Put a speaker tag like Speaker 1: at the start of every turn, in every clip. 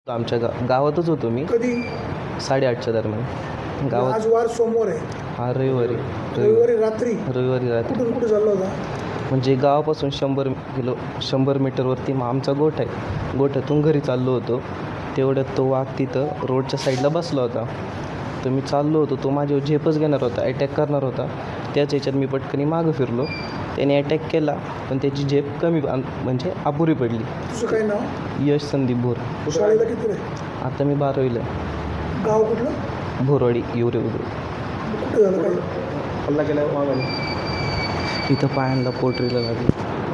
Speaker 1: आमच्या गावातच होतो मी.
Speaker 2: कधी?
Speaker 1: 8:30च्या दरम्यान गावात.
Speaker 2: आज वार सोमवार आहे.
Speaker 1: हा रविवारी
Speaker 2: रविवारी रात्री.
Speaker 1: रविवारी रात्री.
Speaker 2: कुठून कुठे चालला होता?
Speaker 1: म्हणजे गावापासून 100 मीटरवरती मग आमचा गोठा आहे. गोठ्यातून घरी चाललो होतो. तेवढ्यात तो वाघ तिथं रोडच्या साईडला बसला होता. तर मी चाललो होतो. तो माझ्यावर झेपच घेणार होता, अटॅक करणार होता. त्याच ह्याच्यात मी पटकनी मागं फिरलो. त्याने अटॅक केला पण त्याची झेप कमी म्हणजे अपुरी पडली.
Speaker 2: तुझं काय नाव?
Speaker 1: यश संदीप भोर.
Speaker 2: शाळेला किती रे?
Speaker 1: आता मी 12वीला.
Speaker 2: गाव कुठलं?
Speaker 1: भोरवाडी येवरे उदूर.
Speaker 2: कुठे झालं काय?
Speaker 1: हल्ला केला इथं पायांना पोटरीला लागली.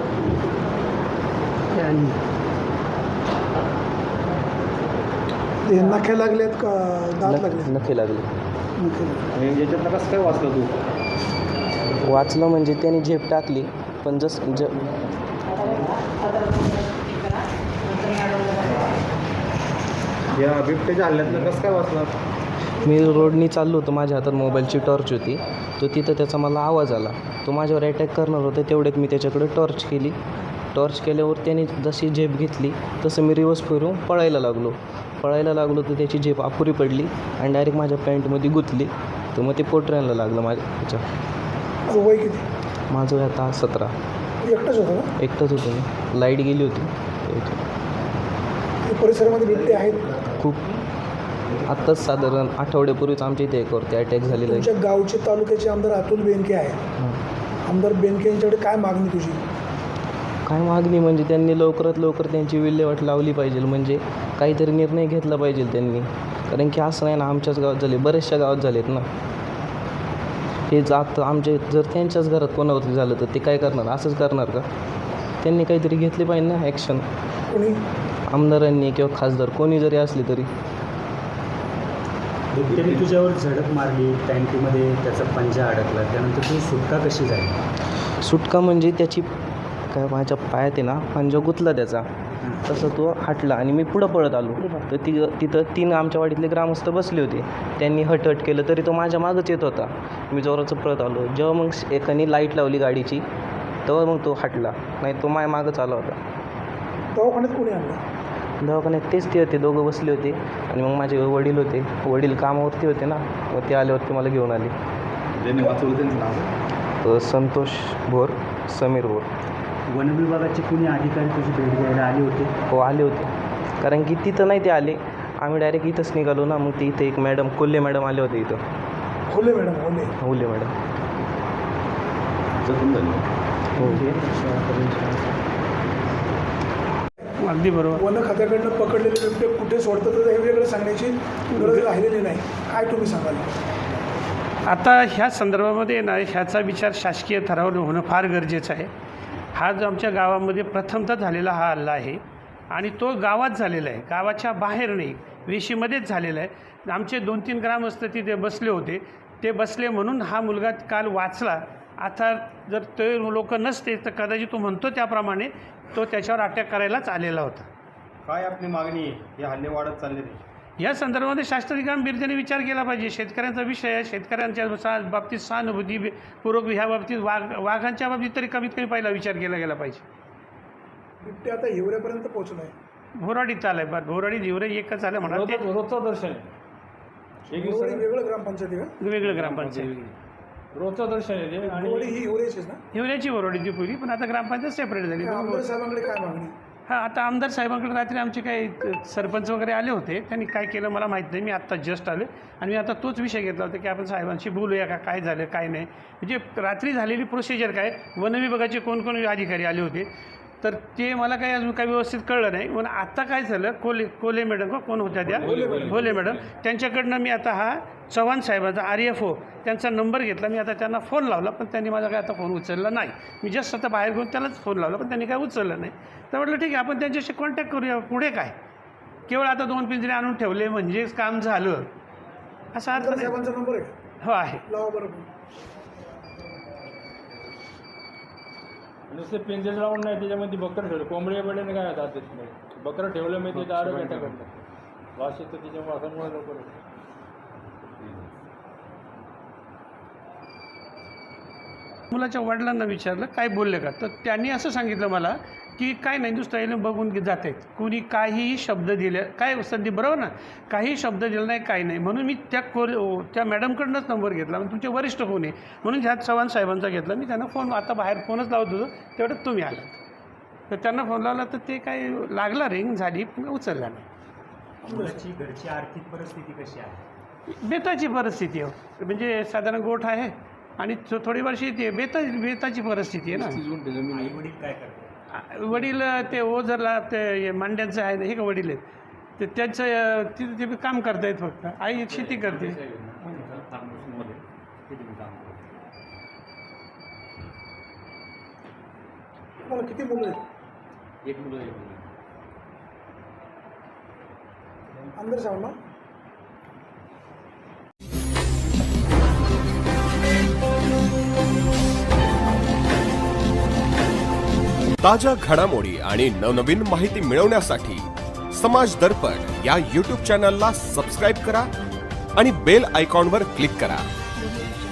Speaker 2: ते नखे लागलेत का दात लागले?
Speaker 1: नखे लागले.
Speaker 2: नखे लागले.
Speaker 3: याच्यातनं कसं काय वाचलं तू?
Speaker 1: वाचलं म्हणजे त्याने झेप टाकली पण
Speaker 3: या बिबट्याच्या हल्ल्यातनं कसं काय वाचलं?
Speaker 1: मी रोडनी चाललो होतो. माझ्या हातात मोबाईलची टॉर्च होती. तो तिथं त्याचा मला आवाज आला. तो माझ्यावर अटॅक करणार होता. तेवढ्यात मी त्याच्याकडे टॉर्च केली. टॉर्च केल्यावर त्याने जशी झेप घेतली तसं मी रिवर्स फिरून पळायला लागलो तर त्याची झेप अपुरी पडली आणि डायरेक्ट माझ्या पॅन्टमध्ये गुंतली. तर मग ते पोटऱ्यांना लागलं माझ्या ह्याच्या.
Speaker 2: वय किती?
Speaker 1: माझं वय आता 17.
Speaker 2: एकटाच होता का?
Speaker 1: एकटाच होतो मी. लाईट गेली होती.
Speaker 2: ते परिसरामध्ये बिबटे आहेत?
Speaker 1: खूप. आत्ताच साधारण आठवड्यापूर्वीच आमच्या इथे एकवरती अटॅक झालेला आहे.
Speaker 2: तुमच्या गावचे तालुक्याचे आमदार अतुल बेनके आहे. आमदार बेनके यांच्याकडे काय मागणी तुझी?
Speaker 1: काय मागणी म्हणजे त्यांनी लवकरात लवकर त्यांची विल्हेवाट लावली पाहिजे. म्हणजे काहीतरी निर्णय घेतला पाहिजे त्यांनी. कारण की असं नाही ना, आमच्याच गावात झाले, बऱ्याचशा गावात झालेत ना. हे जात आमचे जर त्यांच्याच घरात कोणावरती झालं तर ते काय करणार? असंच करणार का? त्यांनी काहीतरी घेतली पाहिजे ना ॲक्शन.
Speaker 2: कोणी?
Speaker 1: आमदारांनी किंवा खासदार कोणी जरी असले तरी.
Speaker 4: बिबट्याने तुझ्यावर झडप मारली, टँकीमध्ये त्याचा पंजा अडकला, त्यानंतर तू सुटका कशी झाली?
Speaker 1: सुटका म्हणजे त्याची काय माझ्या पायात आहे ना पंजा गुतला त्याचा. तसं तो हटला आणि मी पुढं पळत आलो. तर तिथं 3 आमच्या वाडीतले ग्रामस्थ बसले होते. त्यांनी हट केलं तरी तो माझ्या मागच येत होता. मी जोराचं पळत आलो. जेव्हा मग एकाने लाईट लावली गाडीची तेव्हा मग तो हटला. नाही तो माझ्या मागच आला होता.
Speaker 2: दवाखान्यात कोणी आणलं?
Speaker 1: दवाखान्यात तेच ते होते, दोघं बसले होते. आणि मग माझे वडील होते. वडील कामावरती होते ना, मग ते आल्यावरती मला घेऊन आले.
Speaker 3: ज्यांनी वाचवलं त्यांचं नाव?
Speaker 1: संतोष भोर, समीर भोर.
Speaker 4: वनविभागाचे कुणी अधिकारी तुझी भेट घ्यायला आले होते?
Speaker 1: हो आले होते. कारण की तिथं नाही ते आले, आम्ही डायरेक्ट इथंच निघालो ना. मग ते इथे एक मॅडम कोल्हे मॅडम आले होते इथं.
Speaker 2: होले मॅडम होले.
Speaker 1: कोल्हे मॅडम.
Speaker 3: जखम झाली.
Speaker 1: हो.
Speaker 4: अगदी बरोबर.
Speaker 2: वन खात्याकडनं पकडलेले बिबटे कुठे सोडतात तर हे वेगळं सांगण्याची गरज राहिलेली नाही. काय तुम्ही सांगाल?
Speaker 5: आता ह्या संदर्भामध्ये ना ह्याचा विचार शासकीय थरावर होणं फार गरजेचं आहे. हा जो आमच्या गावामध्ये प्रथमतः झालेला हा हल्ला आहे आणि तो गावात झालेला आहे, गावाच्या बाहेर नाही, वेशीमध्येच झालेला आहे. आमचे 2-3 ग्रामस्थ तिथे बसले होते. ते बसले म्हणून हा मुलगा काल वाचला. आता जर ते लोक नसते तर कदाचित तो म्हणतो त्याप्रमाणे तो त्याच्यावर अटॅक करायलाच आलेला होता.
Speaker 3: काय आपली मागणी आहे? हे हल्ले वाढत चालले ते.
Speaker 5: या संदर्भामध्ये शास्त्रीय गांभीर्याने विचार केला पाहिजे. शेतकऱ्यांचा विषय आहे. शेतकऱ्यांच्या बाबतीत सहानुभूतीपूर्वक ह्या बाबतीत वाघांच्या बाबतीत तरी कमीत कमी पहिला विचार केला गेला पाहिजे.
Speaker 2: बिबटे आता हिवऱ्यापर्यंत पोहोचला आहे.
Speaker 5: भोराडीत चालू आहे. भोराडी हिवरे एकच झालं म्हणा. ते
Speaker 6: रोजचं दर्शन
Speaker 2: हिवरी वेगळं ग्रामपंचायती का?
Speaker 5: वेगळं ग्रामपंचायत.
Speaker 6: रोजचं दर्शन आहे ते. आणि
Speaker 2: हिवरी ही हिवऱ्याचीच ना?
Speaker 5: हिवऱ्याची भोराडीची पूर्वी, पण आता ग्रामपंचायत सेपरेट झाली.
Speaker 2: आमदार साहेबांकडे काय मागणी?
Speaker 5: हां, आता आमदार साहेबांकडे रात्री आमचे काही सरपंच वगैरे आले होते. त्यांनी काय केलं मला माहीत नाही. मी आत्ता जस्ट आले आणि मी आता तोच विषय घेतला होता की आपण साहेबांशी बोलूया का, काय झालं काय नाही. म्हणजे रात्री झालेली प्रोसिजर काय, वनविभागाचे कोण अधिकारी आले होते तर ते मला काही अजून काही व्यवस्थित कळलं नाही. म्हणून आत्ता काय झालं, कोले मॅडम का कोण होत्या त्या, होले मॅडम, त्यांच्याकडनं मी आता हा चव्हाण साहेबांचा RFO त्यांचा नंबर घेतला. मी आता त्यांना फोन लावला पण त्यांनी माझा काय आता फोन उचलला नाही. मी जस्ट आता बाहेर घेऊन त्यालाच फोन लावला पण त्यांनी काय उचललं नाही. तर म्हटलं ठीक आहे आपण त्यांच्याशी कॉन्टॅक्ट करूया. पुढे काय, केवळ आता 2 पिंजरे आणून ठेवले म्हणजेच काम झालं असा अर्थ नाही.
Speaker 2: साहेबांचा नंबर आहे?
Speaker 5: हो आहे.
Speaker 2: लावा बरोबर.
Speaker 6: नुसते पिंजरे लावून नाही, त्याच्यामध्ये बकरं ठेवलं. कोंबडी बड्याने काय होतात त्याच्यामध्ये बकरं ठेवलं मी ते दारू अटॅक करतात. वास येतं त्याच्या वासामुळे लवकर.
Speaker 5: मुलाच्या वडिलांना विचारलं काय बोलले का, तर त्यांनी असं सांगितलं मला की काय नाही नुसतं येऊन बघून जात आहेत. कुणी काहीही शब्द दिले काय संधी बरोबर ना, काही शब्द दिला नाही काही नाही. म्हणून मी त्या मॅडमकडनंच नंबर घेतला. मग तुमचे वरिष्ठ कोण आहे म्हणून ह्यात चव्हाण साहेबांचा घेतला. मी त्यांना फोन आता बाहेर फोनच लावत होतो तेवढ्यात तुम्ही आला. तर त्यांना फोन लावला तर ते काय लागला रिंग झाली पण उचलला नाही.
Speaker 4: मुलाची घरची आर्थिक परिस्थिती कशी आहे?
Speaker 5: बेताची परिस्थिती आहे. म्हणजे साधारण गोठ आहे आणि थोडी वर्षी ते बेताची परिस्थिती आहे ना.
Speaker 4: आई वडील काय करतात?
Speaker 5: वडील ते ओझरला ते मांड्यांचं आहे हे का वडील आहेत ते त्यांचं तिथे ते काम करतायत फक्त. आई शेती करते.
Speaker 2: तुम्हाला किती मुलं आहेत?
Speaker 6: एक मुलं
Speaker 2: आमदार साहेबांना
Speaker 7: ताज्या घडामोडी आणि नवनवीन माहिती मिळवण्यासाठी समाज दर्पण या YouTube चॅनलला सबस्क्राईब करा आणि बेल आयकॉनवर क्लिक करा.